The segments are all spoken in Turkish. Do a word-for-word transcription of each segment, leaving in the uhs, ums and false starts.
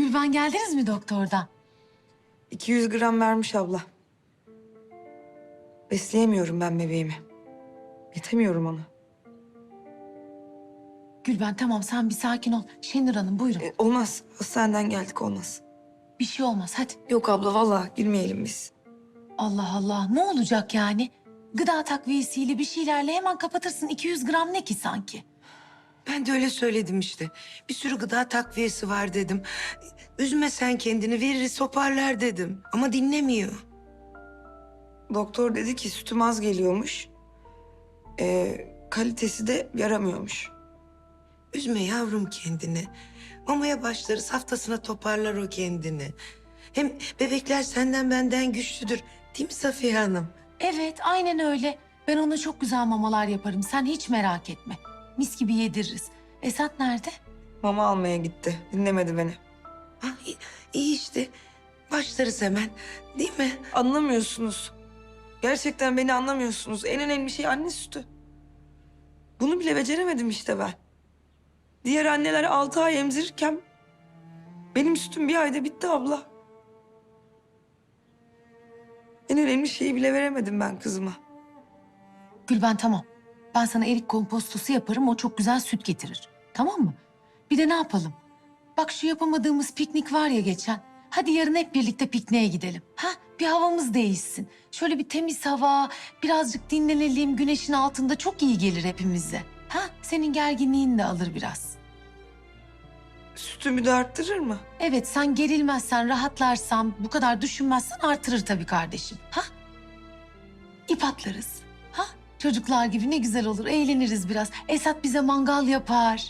Gülben geldiniz mi doktordan? iki yüz gram vermiş abla. Besleyemiyorum ben bebeğimi. Yetemiyorum ona. Gülben tamam sen bir sakin ol. Şenur Hanım buyurun. E, olmaz. Hastaneden geldik olmaz. Bir şey olmaz hadi. Yok abla vallahi girmeyelim biz. Allah Allah ne olacak yani? Gıda takviyesiyle bir şeylerle hemen kapatırsın. iki yüz gram ne ki sanki? Ben de öyle söyledim işte. Bir sürü gıda takviyesi var dedim. Üzme sen kendini, veririz toparlar dedim. Ama dinlemiyor. Doktor dedi ki sütüm az geliyormuş. E, kalitesi de yaramıyormuş. Üzme yavrum kendini. Mamaya başlarız, haftasına toparlar o kendini. Hem bebekler senden benden güçlüdür. Değil mi Safiye Hanım? Evet aynen öyle. Ben ona çok güzel mamalar yaparım. Sen hiç merak etme. Mis gibi yediririz. Esat nerede? Mama almaya gitti. Dinlemedi beni. Ha, iyi, iyi işte. Başlarız hemen. Değil mi? Anlamıyorsunuz. Gerçekten beni anlamıyorsunuz. En önemli şey anne sütü. Bunu bile beceremedim işte ben. Diğer anneler altı ay emzirirken benim sütüm bir ayda bitti abla. En önemli şeyi bile veremedim ben kızıma. Gülben tamam. Ben sana erik kompostosu yaparım. O çok güzel süt getirir. Tamam mı? Bir de ne yapalım? Bak şu yapamadığımız piknik var ya geçen. Hadi yarın hep birlikte pikniğe gidelim. Ha? Bir havamız değişsin. Şöyle bir temiz hava, birazcık dinlenelim. Güneşin altında çok iyi gelir hepimize. Ha? Senin gerginliğin de alır biraz. Sütümü de arttırır mı? Evet sen gerilmezsen, rahatlarsan, bu kadar düşünmezsen artırır tabii kardeşim. Ha? İp atlarız. Ha? Çocuklar gibi ne güzel olur, eğleniriz biraz. Esat bize mangal yapar.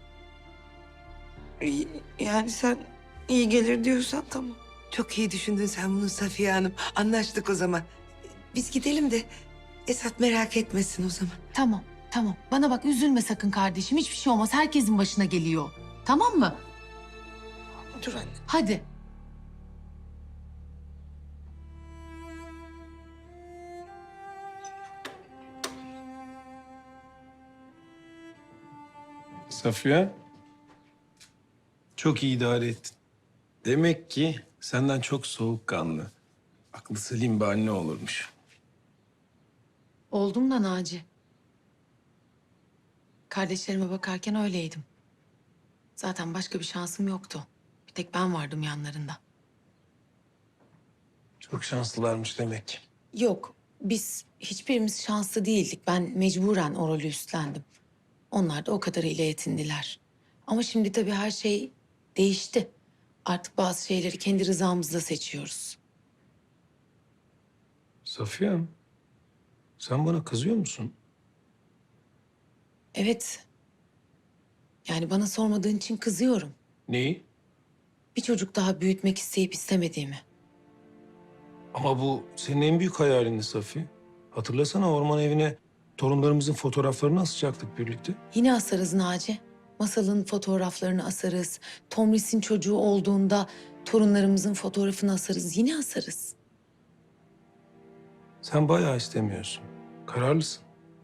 İyi- Yani sen iyi gelir diyorsan tamam. Çok iyi düşündün sen bunu Safiye Hanım. Anlaştık o zaman. Biz gidelim de Esat merak etmesin o zaman. Tamam, tamam. Bana bak üzülme sakın kardeşim. Hiçbir şey olmaz. Herkesin başına geliyor. Tamam mı? Dur anne. Hadi. Safiye, çok iyi idare ettin. Demek ki senden çok soğukkanlı, aklı selim bir anne olurmuş. Oldum da Naci. Kardeşlerime bakarken öyleydim. Zaten başka bir şansım yoktu. Bir tek ben vardım yanlarında. Çok şanslılarmış demek ki. Yok, biz hiçbirimiz şanslı değildik. Ben mecburen o rolü üstlendim. Onlar da o kadarıyla yetindiler. Ama şimdi tabii her şey değişti. Artık bazı şeyleri kendi rızamızla seçiyoruz. Safiye, sen bana kızıyor musun? Evet. Yani bana sormadığın için kızıyorum. Neyi? Bir çocuk daha büyütmek isteyip istemediğimi. Ama bu senin en büyük hayalindi Safiye. Hatırlasana orman evine torunlarımızın fotoğraflarını asacaktık birlikte. Yine asarız Naci. Masalın fotoğraflarını asarız. Tomris'in çocuğu olduğunda torunlarımızın fotoğrafını asarız. Yine asarız. Sen bayağı istemiyorsun. Kararlısın.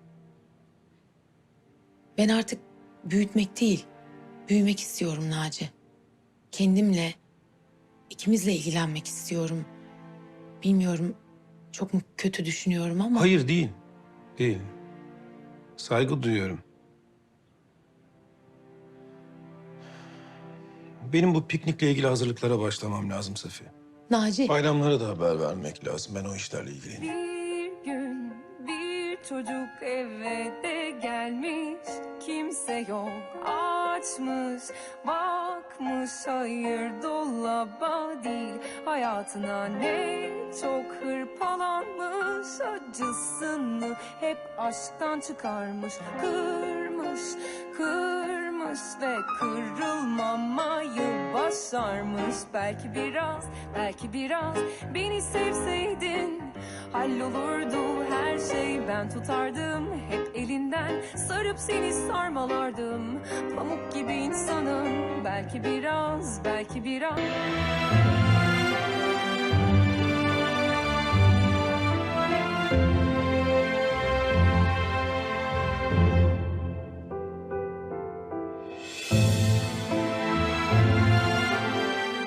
Ben artık büyütmek değil, büyümek istiyorum Naci. Kendimle, ikimizle ilgilenmek istiyorum. Bilmiyorum, çok mu kötü düşünüyorum ama... Hayır değil. Değil. Saygı duyuyorum. Benim bu piknikle ilgili hazırlıklara başlamam lazım Safiye. Naci, Bayramlara da haber vermek lazım. Ben o işlerle ilgileniyorum. Bir gün bir çocuk eve de gelmiş, kimse yok, açmış bakmış, hayır dolaba değil, hayatına ne çok hırpalanmış, acısını hep aşktan çıkarmış, kırmış kırmış ve kırılmamayı başarmış. Belki biraz, belki biraz beni sevseydin hallolurdu her şey, ben tutardım hep elinden, sarıp seni sarmalardım, pamuk gibi insanım. Belki biraz, belki biraz